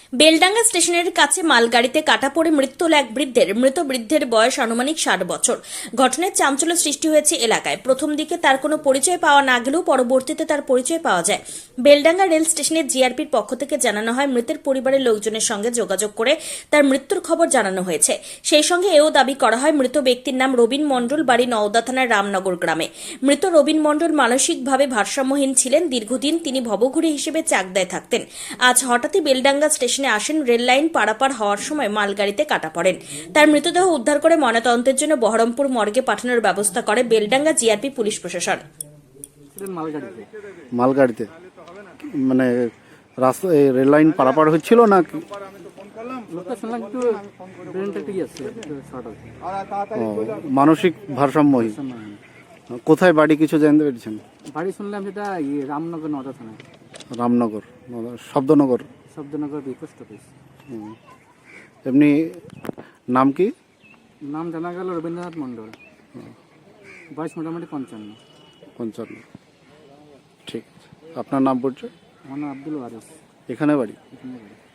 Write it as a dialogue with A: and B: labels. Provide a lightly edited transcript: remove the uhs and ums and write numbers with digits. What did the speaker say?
A: বেলডাঙ্গা স্টেশনের কাছে মালগাড়িতে কাটা পড়ে মৃত্যু হল এক বৃদ্ধের। মৃত বৃদ্ধের বয়স আনুমানিক 60 বছর। ঘটনায় চাঞ্চল্য সৃষ্টি হয়েছে এলাকায়। প্রথম দিকে তার কোনো পরিচয় পাওয়া না গেলেও পরবর্তীতে তার পরিচয় পাওয়া যায়। বেলডাঙ্গা রেল স্টেশনের জিআরপির পক্ষ থেকে জানানো হয়, মৃতের পরিবারের লোকজনের সঙ্গে যোগাযোগ করে তার মৃত্যুর খবর জানানো হয়েছে। সেই সঙ্গে এও দাবি করা হয়, মৃত ব্যক্তির নাম রবিন মণ্ডল, বাড়ি নওদা থানার রামনগর গ্রামে। মৃত রবিন মণ্ডল মানসিকভাবে ভারসাম্যহীন ছিলেন। দীর্ঘদিন তিনি ভবঘুরে হিসেবে চাকদায় থাকতেন। আজ হঠাৎই বেলডাঙ্গা স্টেশনে আসেন। রেল লাইন পারাপার হওয়ার সময় মালগাড়িতে কাটা পড়েন। তার মৃতদেহ উদ্ধার করে ময়নাতদন্তের জন্য বহরমপুর মর্গে পাঠানোর ব্যবস্থা করে বেলডাঙ্গা জিআরপি পুলিশ প্রশাসন।
B: মালগাড়িতে মানে রাস্তা রেল লাইন পারাপার হচ্ছিল না মানসিক ভারসাম্যহীন। কোথায় বাড়ি কিছু জানতে পেরেছেন?
C: বাড়ি শুনলাম যেটা রামনগর নওদা থানায়।
B: Ramnagar, Shabdanagar
C: post office.
B: এমনি নাম কি?
C: নাম জানা গেল রবীন্দ্রনাথ মণ্ডল, বয়স মোটামুটি 55।
B: ঠিক আছে। আপনার নাম পড়ছে?
C: আমার নাম আব্দুল ওয়ারিস।
B: এখানে বাড়ি?
C: এখানে বাড়ি।